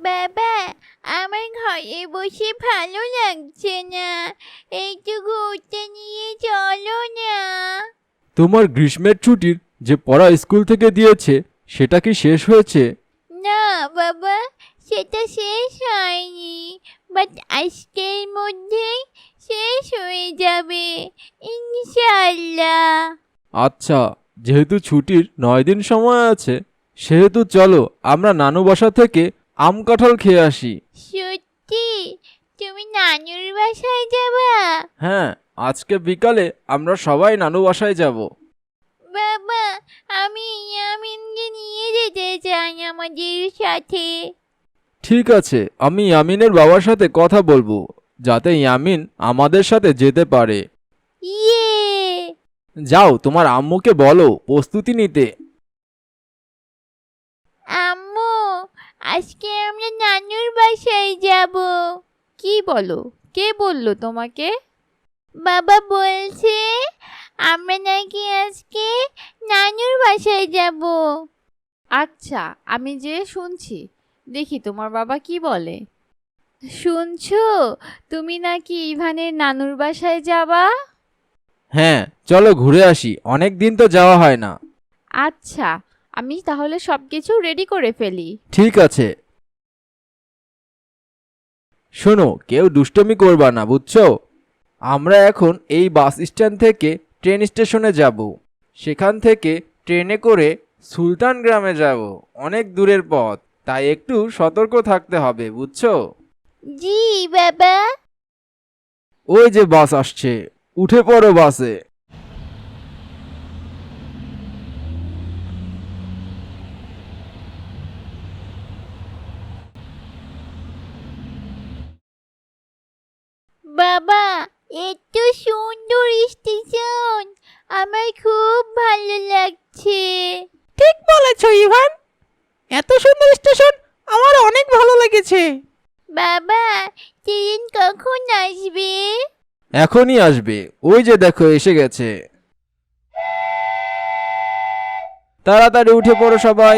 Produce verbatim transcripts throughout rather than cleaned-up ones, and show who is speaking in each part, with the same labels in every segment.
Speaker 1: বাবা, আমার ঘরে বসে ভালো লাগছে না, একটু ঘুরতে নিয়ে চলো না।
Speaker 2: তোমার গ্রীষ্মের ছুটির যে পড়া স্কুল থেকে দিয়েছে সেটা কি শেষ হয়েছে?
Speaker 1: না বাবা, সেটা শেষ হয়নি, বাট আজকের মধ্যেই শেষ হয়ে যাবে ইনশাআল্লাহ।
Speaker 2: আচ্ছা, যেহেতু ছুটির নয় দিন সময় আছে সেহেতু চলো আমরা নানু বাসা থেকে আম কাঁঠাল খেয়ে আসি।
Speaker 1: সত্যি? তুমি নানুর বাসায় যাবা?
Speaker 2: হ্যাঁ, আজকে বিকালে আমরা সবাই নানু বাসায় যাব।
Speaker 1: বাবা, আমি ইয়ামিনকে নিয়ে যেতে চাই আমাদের সাথে।
Speaker 2: ঠিক আছে, আমি ইয়ামিনের বাবার সাথে কথা বলবো যাতে ইয়ামিন আমাদের সাথে যেতে পারে।
Speaker 1: ইয়ে!
Speaker 2: যাও তোমার আম্মুকে বলো প্রস্তুতি নিতে।
Speaker 1: আম্মু, আজকে আমরা নানুর বাসায় যাব।
Speaker 3: কি বলো? কে বললো তোমাকে?
Speaker 1: বাবা বলছে আমরা নাকি আজকে নানুর বাসায় যাব।
Speaker 3: আচ্ছা, আমি যে শুনছি, দেখি তোমার বাবা কি বলে। শুনছো, তুমি নাকি ইভানের নানুর বাসায় যাবা?
Speaker 2: হ্যাঁ, চলো ঘুরে আসি, অনেক দিন তো যাওয়া হয় না।
Speaker 3: আচ্ছা, আমি তাহলে সবকিছু রেডি করে ফেলি।
Speaker 2: ঠিক আছে। শোনো, কেউ দুষ্টমি করবা না, বুঝছো? আমরা এখন এই বাস স্ট্যান্ড থেকে ট্রেন স্টেশনে যাব। সেখান থেকে ট্রেনে করে সুলতান গ্রামে যাব। অনেক দূরের পথ, তাই একটু সতর্ক থাকতে হবে, বুঝছো?
Speaker 1: জি বাবা।
Speaker 2: ওই যে বাস আসছে, উঠে পড়ো বাসে।
Speaker 1: বাবা, এত সুন্দর স্টেশন, আমার খুব ভালো লাগছে।
Speaker 4: ঠিক বলেছো ইভান, এত সুন্দর স্টেশন আমার অনেক ভালো লেগেছে।
Speaker 1: বাবা, ট্রেন কখন আসবে?
Speaker 2: এখনই আসবে, ওই যে দেখো এসে গেছে। তাড়াতাড়ি উঠে পড়ো সবাই।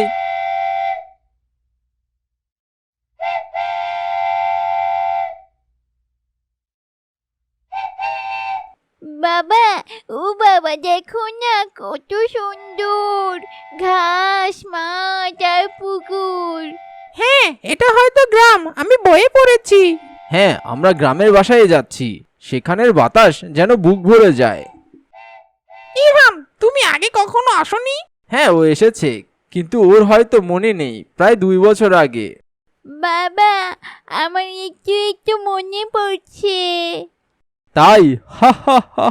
Speaker 1: বাবা, ও বাবা, দেখো না কত সুন্দর ঘাস, মাঠ আর পুকুর।
Speaker 4: হ্যাঁ, এটা হয়তো গ্রাম, আমি বইয়ে পড়েছি।
Speaker 2: হ্যাঁ, আমরা গ্রামের বাসায় যাচ্ছি, সেখানের বাতাস যেন বুক ভরে যায়।
Speaker 4: ইভান, তুমি আগে কখনো আসোনি?
Speaker 2: হ্যাঁ, ও এসেছে, কিন্তু ওর হয়তো মনে নেই, প্রায় দুই বছর আগে।
Speaker 1: বাবা, আমার একটু একটু মনে পড়ছে।
Speaker 2: তাই? হা হা হা।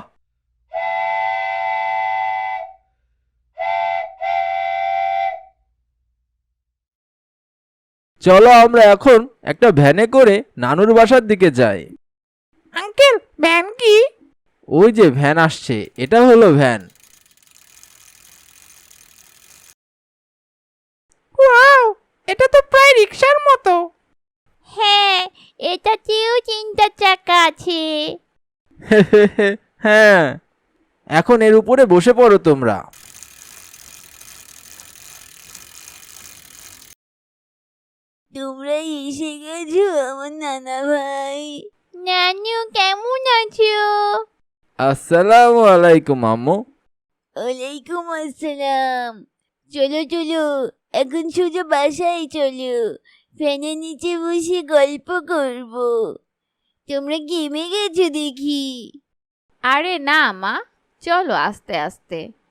Speaker 2: চলো আমরা এখন একটা ভ্যানে করে নানুর বাসার দিকে যাই।
Speaker 4: আঙ্কেল, ভ্যান কি?
Speaker 2: ওই যে ভ্যান আসছে, এটা হলো ভ্যান।
Speaker 4: ওয়াও, এটা তো প্রায় রিক্সার মতো।
Speaker 1: হ্যাঁ, এটাতেও তিনটা চাকা আছে।
Speaker 2: হ্যাঁ, এখন এর উপরে বসে পড়ো তোমরা।
Speaker 1: তোমরা এসে গেছো আমার নানা ভাই। নানু কেমন আছো?
Speaker 2: আসসালামু আলাইকুম আম্মু।
Speaker 1: ওয়ালাইকুম আসসালাম। চলো চলো, এখন সোজা বাসায় চলো, ফ্যানের নিচে বসে গল্প করব। তোমরা গেমে গেছো দেখি।
Speaker 3: আরে না মা, চলো আস্তে আস্তে।